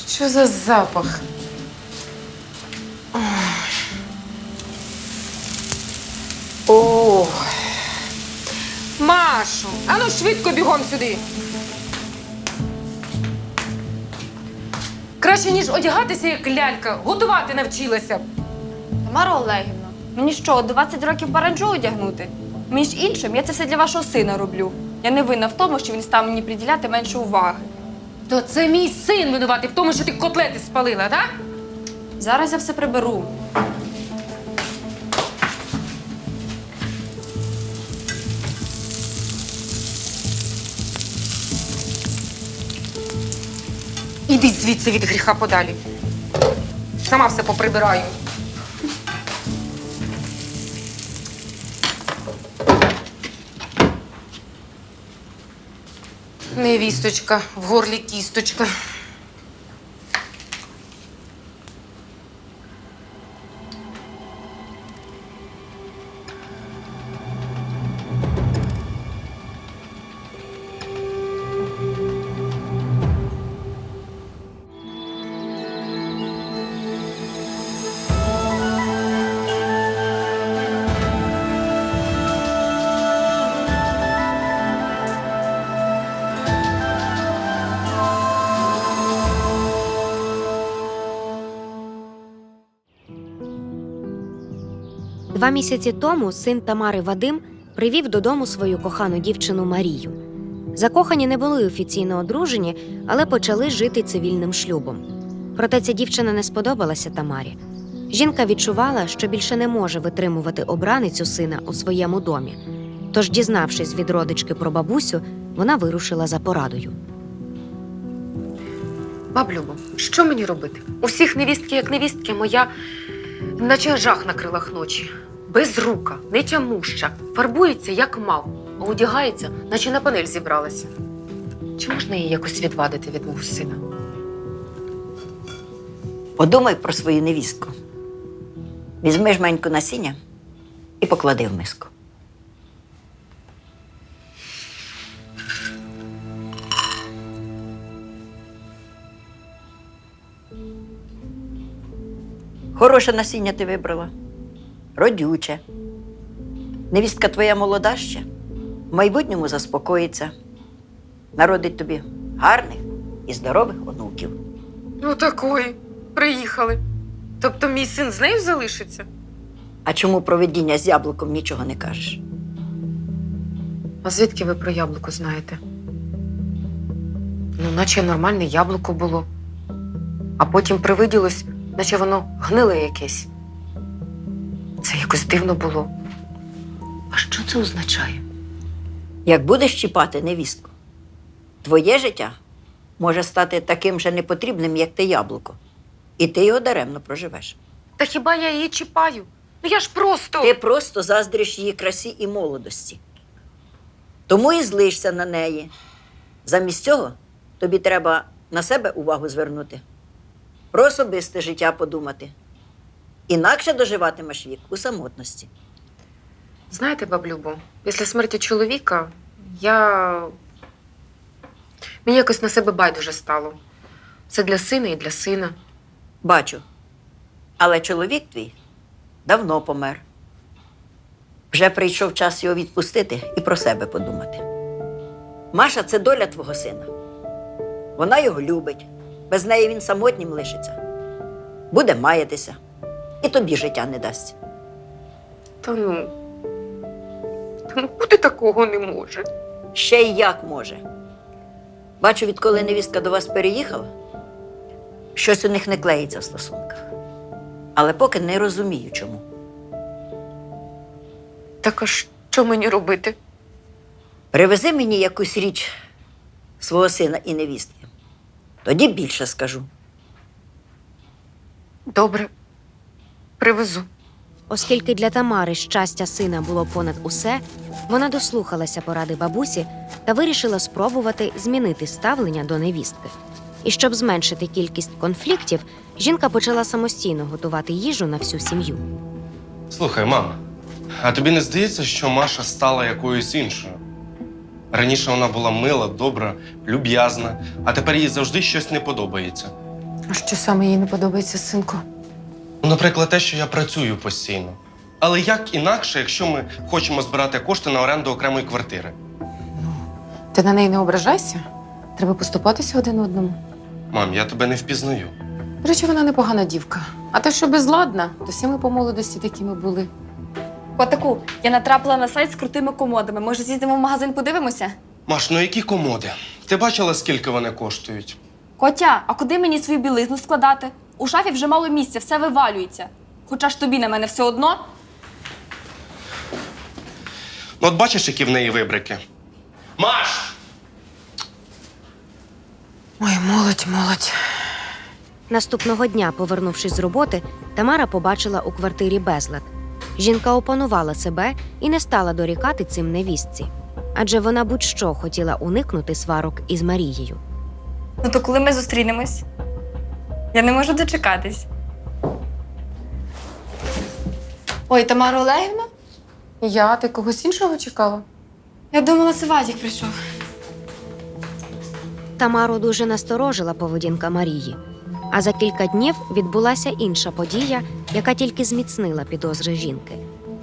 Що за запах? О. Машу, ану швидко бігом сюди. Краще, ніж одягатися, як лялька, готувати навчилася б. Тамара Олегівна, мені що, 20 років параджу одягнути? Між іншим, я це все для вашого сина роблю. Я не винна в тому, що він став мені приділяти менше уваги. То це мій син винуватий в тому, що ти котлети спалила, так? Зараз я все приберу. Іди звідси від гріха подалі. Сама все поприбираю. Невісточка, в горлі кісточка. Два місяці тому син Тамари Вадим привів додому свою кохану дівчину Марію. Закохані не були офіційно одружені, але почали жити цивільним шлюбом. Проте ця дівчина не сподобалася Тамарі. Жінка відчувала, що більше не може витримувати обраницю сина у своєму домі. Тож, дізнавшись від родички про бабусю, вона вирушила за порадою. Баблюбо, що мені робити? Усіх невістки як невістки, моя наче жах на крилах ночі. Безрука, нетямуща, фарбується як мав, а одягається, наче на панель зібралася. Чи можна її якось відвадити від мого сина? Подумай про свою невістку. Візьми жменьку насіння і поклади в миску. Хороше насіння ти вибрала. Родюче. Невістка твоя молода ще. В майбутньому заспокоїться. Народить тобі гарних і здорових онуків. Ну такої, приїхали. Тобто мій син з нею залишиться? А чому про видіння з яблуком нічого не кажеш? А звідки ви про яблуко знаєте? Ну, наче нормальне яблуко було. А потім привиділось, наче воно гниле якесь. Це якось дивно було. А що це означає? Як будеш чіпати невістку, твоє життя може стати таким же непотрібним, як те яблуко. І ти його даремно проживеш. Та хіба я її чіпаю? Ну я ж просто… Ти просто заздриш її красі і молодості. Тому і злишся на неї. Замість цього тобі треба на себе увагу звернути. Про особисте життя подумати. Інакше доживатимеш вік у самотності. Знаєте, баблюбо, після смерті чоловіка мені якось на себе байдуже стало. Це для сина і для сина. Бачу. Але чоловік твій давно помер. Вже прийшов час його відпустити і про себе подумати. Маша – це доля твого сина. Вона його любить. Без неї він самотнім лишиться. Буде маятися. І тобі життя не дасть. Та ну бути такого не може. Ще й як може. Бачу, відколи невістка до вас переїхала, щось у них не клеїться в стосунках. Але поки не розумію, чому. Так а що мені робити? Привези мені якусь річ свого сина і невістки. Тоді більше скажу. Добре, привезу. Оскільки для Тамари щастя сина було понад усе, вона дослухалася поради бабусі та вирішила спробувати змінити ставлення до невістки. І щоб зменшити кількість конфліктів, жінка почала самостійно готувати їжу на всю сім'ю. Слухай, мама, а тобі не здається, що Маша стала якоюсь іншою? Раніше вона була мила, добра, люб'язна, а тепер їй завжди щось не подобається. А що саме їй не подобається, синку? Ну, наприклад, те, що я працюю постійно. Але як інакше, якщо ми хочемо збирати кошти на оренду окремої квартири? Ти на неї не ображайся. Треба поступатися один одному. Мам, я тебе не впізнаю. До речі, вона непогана дівка. А те, що безладна, то всі ми по молодості такими були. Котику, я натрапила на сайт з крутими комодами. Може, з'їздимо в магазин, подивимося? Маш, ну які комоди? Ти бачила, скільки вони коштують? Котя, а куди мені свою білизну складати? У шафі вже мало місця, все вивалюється. Хоча ж тобі на мене все одно. Ну, от бачиш, які в неї вибрики? Маш! Ой, молодь. Наступного дня, повернувшись з роботи, Тамара побачила у квартирі безлад. Жінка опанувала себе і не стала дорікати цим невістці. Адже вона будь-що хотіла уникнути сварок із Марією. Ну то коли ми зустрінемось? Я не можу дочекатись. Ой, Тамара Олегівна? Ти когось іншого чекала? Я думала, це Вадік прийшов. Тамару дуже насторожила поведінка Марії. А за кілька днів відбулася інша подія, яка тільки зміцнила підозри жінки.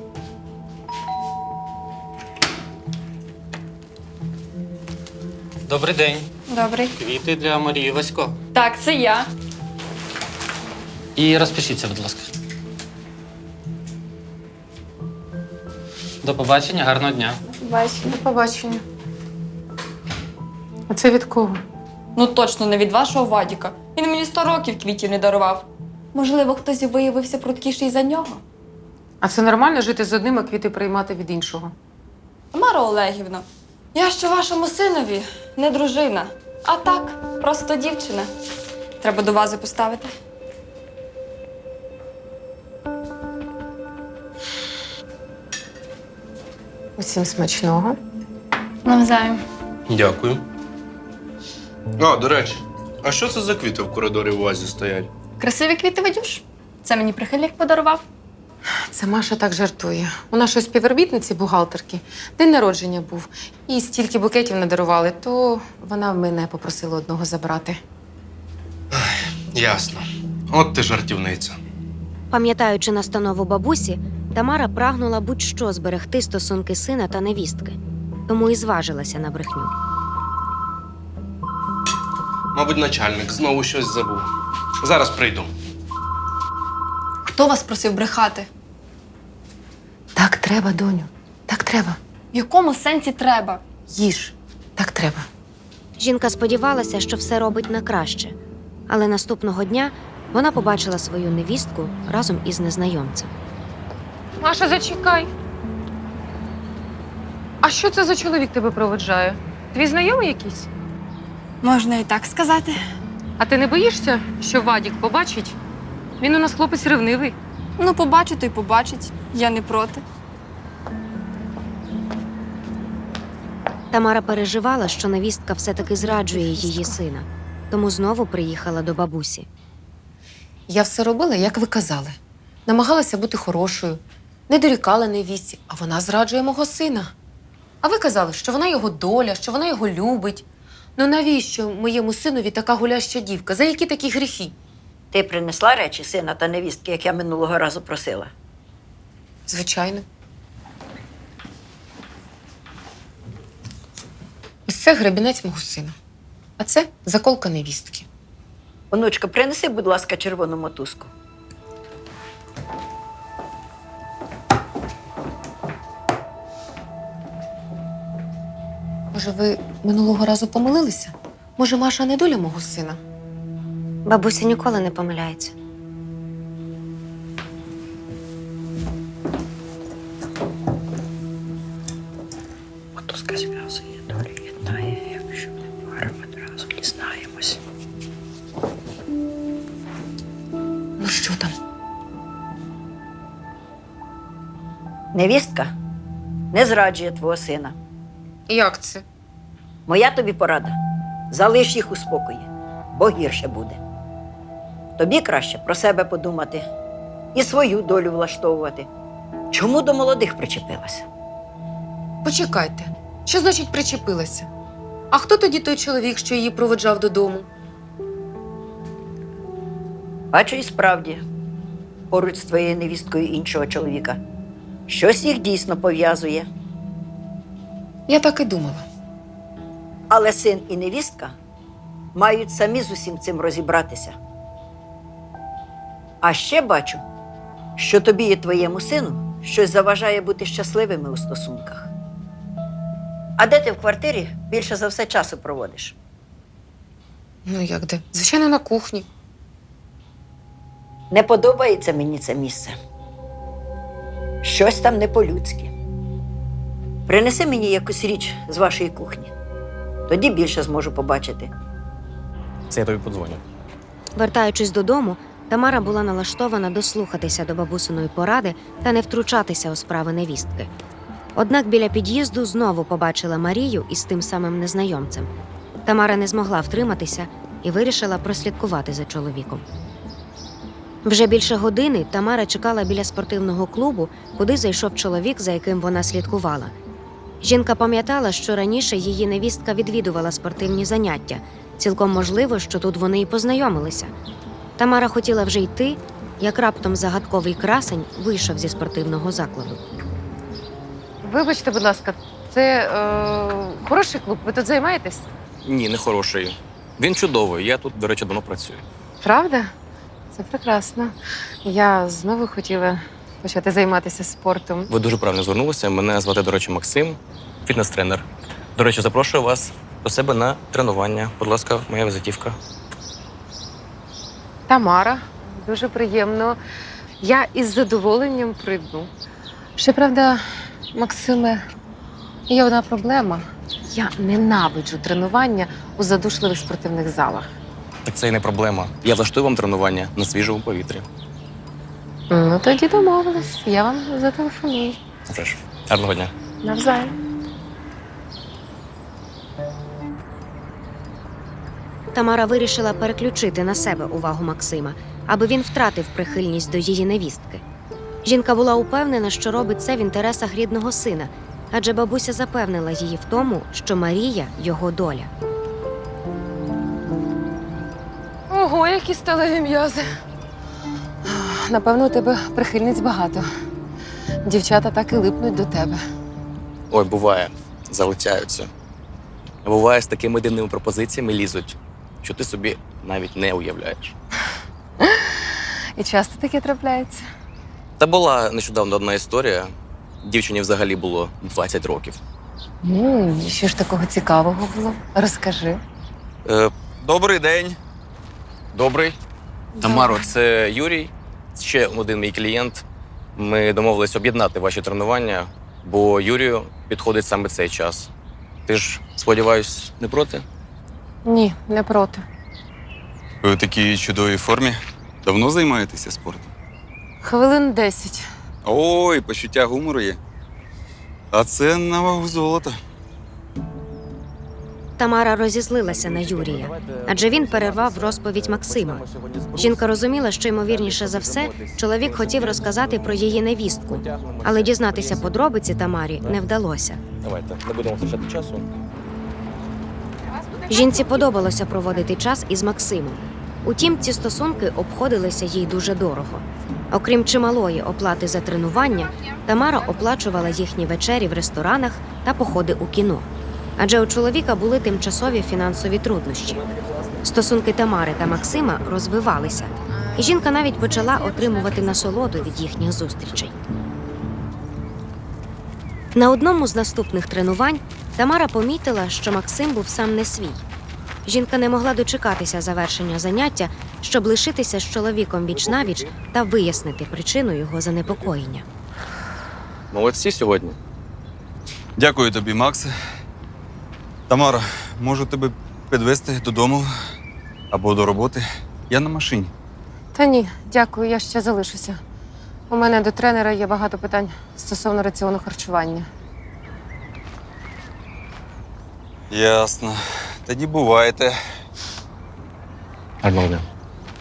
Добрий день. Добрий. Квіти для Марії Васько. Так, це я. І розпишіться, будь ласка. До побачення, гарного дня. Бачу. До побачення. А це від кого? Ну точно не від вашого Вадіка. Він мені 100 років квітів не дарував. Можливо, хтось виявився пруткіший за нього. А це нормально жити з одним, а квіти приймати від іншого? Тамара Олегівна, я ще вашому синові не дружина, а так, просто дівчина. Треба до вази поставити. Усім смачного. Навзаєм. Дякую. А, до речі, а що це за квіти в коридорі у вазі стоять? Красиві квіти, Вадюш. Це мені прихильник подарував. Це Маша так жартує. У нашої співробітниці, бухгалтерки, день народження був. І стільки букетів надарували, то вона мене попросила одного забрати. Ясно. От ти жартівниця. Пам'ятаючи настанову бабусі, Тамара прагнула будь-що зберегти стосунки сина та невістки. Тому і зважилася на брехню. Мабуть, начальник знову щось забув. Зараз прийду. Хто вас просив брехати? Так треба, доню. Так треба. В якому сенсі треба? Їж. Так треба. Жінка сподівалася, що все робить на краще. Але наступного дня вона побачила свою невістку разом із незнайомцем. Маша, зачекай. А що це за чоловік тебе проводжає? Твій знайомий якийсь? Можна і так сказати. А ти не боїшся, що Вадік побачить? Він у нас хлопець ревнивий. Ну, побачить, то й побачить. Я не проти. Тамара переживала, що невістка все-таки зраджує її сина, тому знову приїхала до бабусі. Я все робила, як ви казали. Намагалася бути хорошою, не дорікала невістці, а вона зраджує мого сина. А ви казали, що вона його доля, що вона його любить. Ну навіщо моєму синові така гуляща дівка? За які такі гріхи? Ти принесла речі сина та невістки, як я минулого разу просила? Звичайно. Ось це гребінець мого сина. А це заколка невістки. Онучка, принеси, будь ласка, червону мотузку. Може, ви минулого разу помилилися? Може, Маша не доля мого сина? Бабуся ніколи не помиляється. Мотузка зв'язує, долі єднає, якщо не паримо, одразу дізнаємось. Ну що там? Невістка не зраджує твого сина. Як це? Моя тобі порада. Залиш їх у спокої, бо гірше буде. Тобі краще про себе подумати і свою долю влаштовувати. Чому до молодих причепилася? Почекайте. Що значить причепилася? А хто тоді той чоловік, що її проводжав додому? Бачу, і справді, поруч з твоєю невісткою іншого чоловіка. Щось їх дійсно пов'язує. Я так і думала. Але син і невістка мають самі з усім цим розібратися. А ще бачу, що тобі і твоєму сину щось заважає бути щасливими у стосунках. А де ти в квартирі більше за все часу проводиш? Ну як де? Звичайно, на кухні. Не подобається мені це місце. Щось там не по-людськи. Принеси мені якусь річ з вашої кухні. Тоді більше зможу побачити. Це я тобі подзвоню. Вертаючись додому, Тамара була налаштована дослухатися до бабусиної поради та не втручатися у справи невістки. Однак біля під'їзду знову побачила Марію із тим самим незнайомцем. Тамара не змогла втриматися і вирішила прослідкувати за чоловіком. Вже більше години Тамара чекала біля спортивного клубу, куди зайшов чоловік, за яким вона слідкувала. Жінка пам'ятала, що раніше її невістка відвідувала спортивні заняття. Цілком можливо, що тут вони і познайомилися. Тамара хотіла вже йти, як раптом загадковий красень вийшов зі спортивного закладу. Вибачте, будь ласка, це хороший клуб. Ви тут займаєтесь? Ні, не хороший. Він чудовий. Я тут, до речі, давно працюю. Правда? Це прекрасно. Я знову хотіла почати займатися спортом. Ви дуже правильно звернулися. Мене звати, до речі, Максим, фітнес-тренер. До речі, запрошую вас до себе на тренування. Будь ласка, моя візитівка. Тамара, дуже приємно. Я із задоволенням прийду. Щоправда, Максиме, є одна проблема. Я ненавиджу тренування у задушливих спортивних залах. Так це і не проблема. Я влаштую вам тренування на свіжому повітрі. Ну, тоді домовились. Я вам зателефоную. Вже ж. Гарного дня. Навзаєм. Тамара вирішила переключити на себе увагу Максима, аби він втратив прихильність до її невістки. Жінка була упевнена, що робить це в інтересах рідного сина, адже бабуся запевнила її в тому, що Марія – його доля. Ого, які сталеві м'язи. Напевно, у тебе прихильниць багато. Дівчата так і липнуть до тебе. Ой, буває. Залицяються. Буває, з такими дивними пропозиціями лізуть, що ти собі навіть не уявляєш. І часто таке трапляється. Та була нещодавно одна історія. Дівчині взагалі було 20 років. Ну, і що ж такого цікавого було? Розкажи. Добрий день. Добрий. Тамаро, це Юрій. Ще один мій клієнт. Ми домовились об'єднати ваші тренування, бо Юрію підходить саме цей час. Ти ж, сподіваюсь, не проти? Ні, не проти. Ви у такій чудовій формі. Давно займаєтеся спортом? Хвилин 10. Ой, почуття гумору є. А це на вагу золота. Тамара розізлилася на Юрія, адже він перервав розповідь Максима. Жінка розуміла, що, ймовірніше за все, чоловік хотів розказати про її невістку, але дізнатися подробиці Тамарі не вдалося. Давайте, не будемо втрачати часу. Жінці подобалося проводити час із Максимом. Утім, ці стосунки обходилися їй дуже дорого. Окрім чималої оплати за тренування, Тамара оплачувала їхні вечері в ресторанах та походи у кіно. Адже у чоловіка були тимчасові фінансові труднощі. Стосунки Тамари та Максима розвивалися, і жінка навіть почала отримувати насолоду від їхніх зустрічей. На одному з наступних тренувань Тамара помітила, що Максим був сам не свій. Жінка не могла дочекатися завершення заняття, щоб лишитися з чоловіком віч-навіч та вияснити причину його занепокоєння. Молодці сьогодні. Дякую тобі, Максе. Тамара, можу тебе підвезти додому або до роботи. Я на машині. Та ні, дякую, я ще залишуся. У мене до тренера є багато питань стосовно раціону харчування. Ясно. Тоді бувайте. Гарного дня.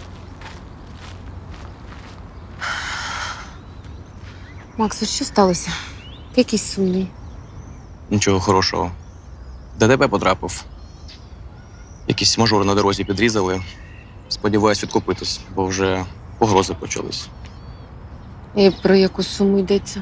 Макс, от що сталося? Ти якийсь сумний. Нічого хорошого. ДТП потрапив. Якийсь мажор на дорозі підрізали. Сподіваюсь відкупитись, бо вже погрози почались. І про яку суму йдеться?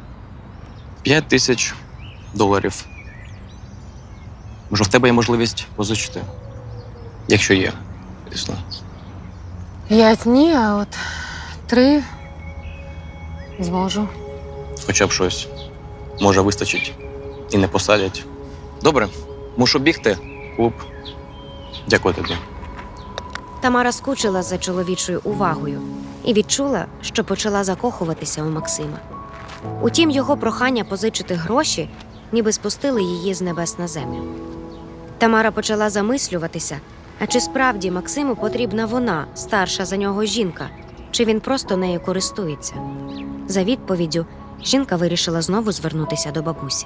$5000. Може, в тебе є можливість позичити? Якщо є, звісно. 5 ні, а от 3 зможу. Хоча б щось. Може, вистачить і не посадять. Добре, мушу бігти. Клуб. Дякую тобі. Тамара скучила за чоловічою увагою і відчула, що почала закохуватися у Максима. Утім, його прохання позичити гроші ніби спустили її з небес на землю. Тамара почала замислюватися, а чи справді Максиму потрібна вона, старша за нього жінка, чи він просто нею користується. За відповіддю жінка вирішила знову звернутися до бабусі.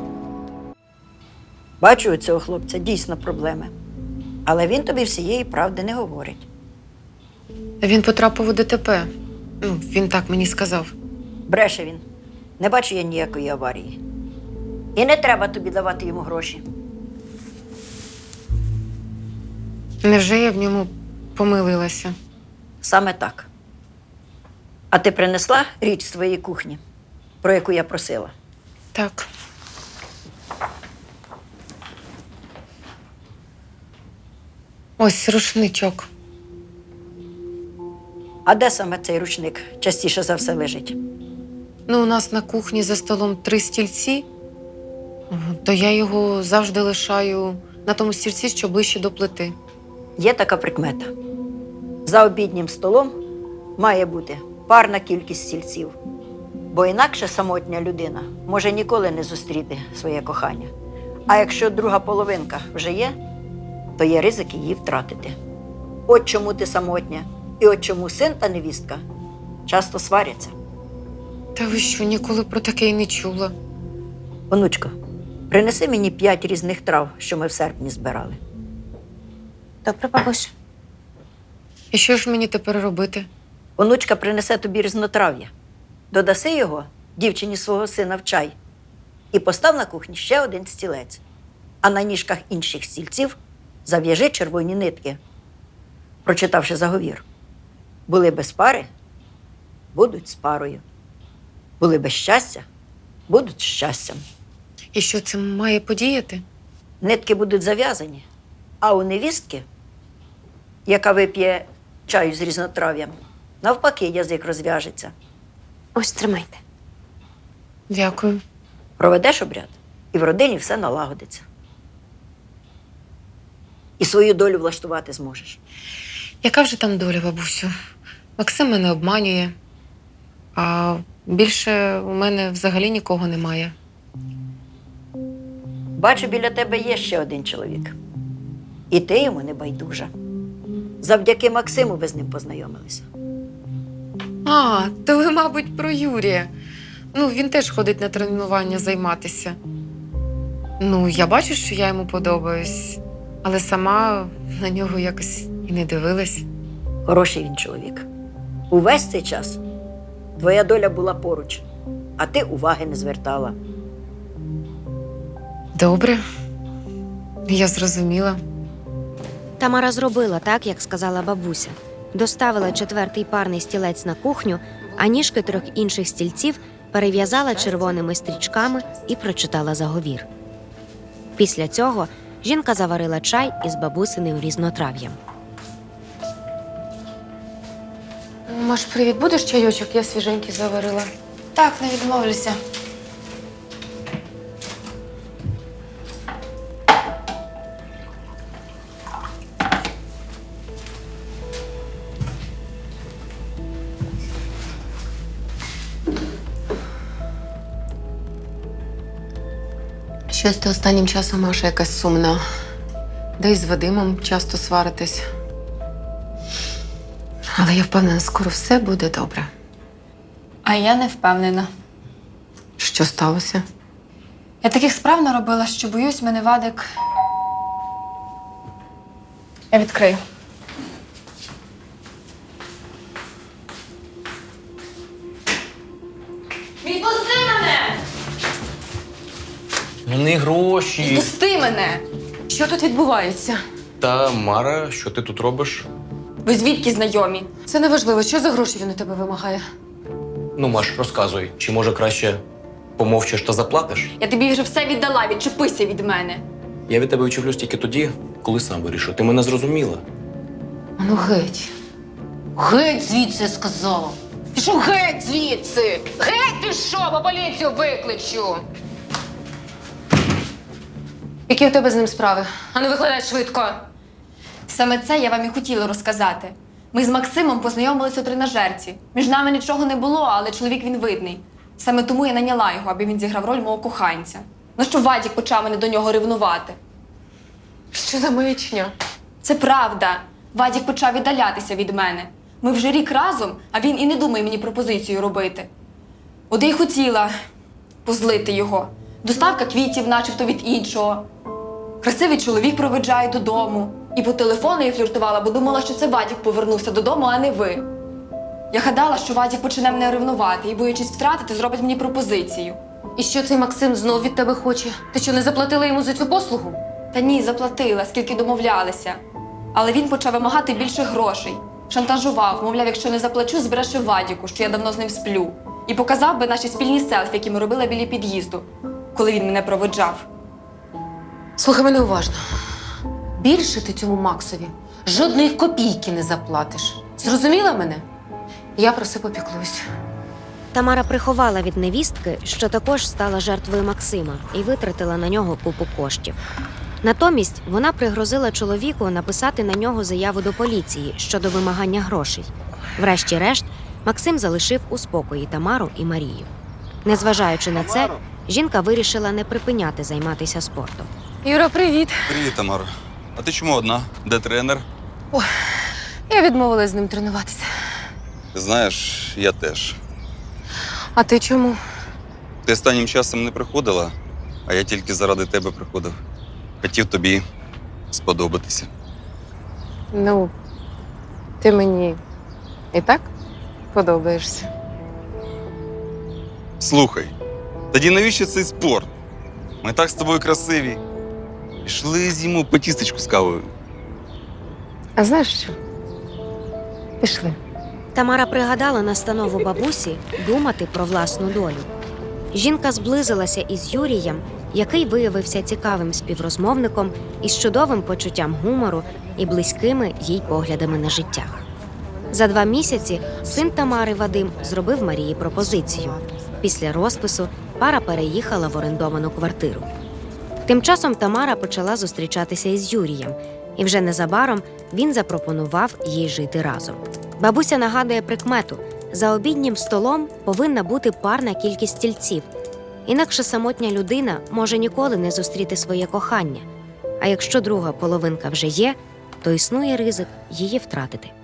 Бачу, у цього хлопця дійсно проблеми. Але він тобі всієї правди не говорить. Він потрапив у ДТП. Він так мені сказав. Бреше він. Не бачу я ніякої аварії. І не треба тобі давати йому гроші. Невже я в ньому помилилася? Саме так. А ти принесла річ з твоєї кухні, про яку я просила? Так. Ось рушничок. А де саме цей ручник частіше за все лежить? У нас на кухні за столом 3 стільці, то я його завжди лишаю на тому стільці, що ближче до плити. Є така прикмета. За обіднім столом має бути парна кількість стільців. Бо інакше самотня людина може ніколи не зустріти своє кохання. А якщо друга половинка вже є, то є ризик її втратити. От чому ти самотня, і от чому син та невістка часто сваряться. Та ви що, ніколи про таке й не чула? Онучко, принеси мені 5 різних трав, що ми в серпні збирали. Добре, бабусь. І що ж мені тепер робити? Онучка принесе тобі різнотрав'я. Додаси його дівчині свого сина в чай і постав на кухні ще 1 стілець. А на ніжках інших стільців зав'яжи червоні нитки, прочитавши заговір. Були без пари, будуть з парою. Були без щастя, будуть з щастям. І що це має подіяти? Нитки будуть зав'язані, а у невістки, яка вип'є чаю з різнотрав'ям, навпаки, язик розв'яжеться. Ось тримайте. Дякую. Проведеш обряд, і в родині все налагодиться. І свою долю влаштувати зможеш. Яка вже там доля, бабусю? Максим мене обманює, а більше у мене взагалі нікого немає. Бачу, біля тебе є ще 1 чоловік. І ти йому не байдужа. Завдяки Максиму ви з ним познайомилися. А, то ви, мабуть, про Юрія. Він теж ходить на тренування займатися. Я бачу, що я йому подобаюсь, але сама на нього якось і не дивилась. Хороший він чоловік. Увесь цей час твоя доля була поруч, а ти уваги не звертала. Добре, я зрозуміла. Тамара зробила так, як сказала бабуся. Доставила 4-й парний стілець на кухню, а ніжки 3 інших стільців перев'язала червоними стрічками і прочитала заговір. Після цього жінка заварила чай із бабусиним різнотрав'ям. Маш, привіт, будеш чайочок? Я свіженький заварила. Так, не відмовлюся. Щось ти останнім часом, Маша, якась сумна. Да й з Вадимом часто сваритись. Але я впевнена, скоро все буде добре. А я не впевнена. Що сталося? Я таких справ наробила, що боюсь, мене Вадик. Я відкрию. Відпусти мене! Вони гроші. Відпусти мене! Що тут відбувається? Та, Мара, що ти тут робиш? Ви звідки знайомі? Це не важливо, що за гроші він у тебе вимагає. Ну, Маш, розказуй, чи може краще помовчиш та заплатиш? Я тобі вже все віддала, відчепися від мене. Я від тебе відчуплюсь тільки тоді, коли сам вирішу. Ти мене зрозуміла. Ну геть. Геть звідси, я сказала. Пішов геть звідси. Геть пішов, а поліцію викличу. Які у тебе з ним справи? Ану, викладай швидко. Саме це я вам і хотіла розказати. Ми з Максимом познайомилися у тренажерці. Між нами нічого не було, але чоловік він видний. Саме тому я наняла його, аби він зіграв роль мого коханця. Ну що Вадік почав мене до нього ревнувати. Що за маячня? Це правда. Вадік почав віддалятися від мене. Ми вже рік разом, а він і не думає мені пропозицію робити. От я й хотіла позлити його. Доставка квітів, начебто від іншого. Красивий чоловік проведжає додому. І по телефону я фліртувала, бо думала, що це Вадік повернувся додому, а не ви. Я гадала, що Вадік почне мене ревнувати і, боячись втратити, зробить мені пропозицію. І що цей Максим знов від тебе хоче? Ти що, не заплатила йому за цю послугу? Та ні, заплатила, скільки домовлялися. Але він почав вимагати більше грошей. Шантажував, мовляв, якщо не заплачу, збереше Вадіку, що я давно з ним сплю. І показав би наші спільні селфі, які ми робили біля під'їзду, коли він мене проводжав. Слухай мене уважно. Більше ти цьому Максові жодної копійки не заплатиш. Зрозуміла мене? Я про це попіклуюсь. Тамара приховала від невістки, що також стала жертвою Максима і витратила на нього купу коштів. Натомість вона пригрозила чоловіку написати на нього заяву до поліції щодо вимагання грошей. Врешті-решт, Максим залишив у спокої Тамару і Марію. Незважаючи на це, жінка вирішила не припиняти займатися спортом. Юра, привіт. Привіт, Тамара. А ти чому одна? Де тренер? Я відмовилась з ним тренуватися. Ти знаєш, я теж. А ти чому? Ти останнім часом не приходила, а я тільки заради тебе приходив. Хотів тобі сподобатися. Ну, ти мені і так подобаєшся. Слухай, тоді навіщо цей спорт? Ми так з тобою красиві. Пішли з'їмо по тістечку з кавою. А знаєш що? Пішли. Тамара пригадала настанову бабусі думати про власну долю. Жінка зблизилася із Юрієм, який виявився цікавим співрозмовником із чудовим почуттям гумору і близькими їй поглядами на життя. За 2 місяці син Тамари Вадим зробив Марії пропозицію. Після розпису пара переїхала в орендовану квартиру. Тим часом Тамара почала зустрічатися із Юрієм, і вже незабаром він запропонував їй жити разом. Бабуся нагадує прикмету – за обіднім столом повинна бути парна кількість стільців, інакше самотня людина може ніколи не зустріти своє кохання, а якщо друга половинка вже є, то існує ризик її втратити.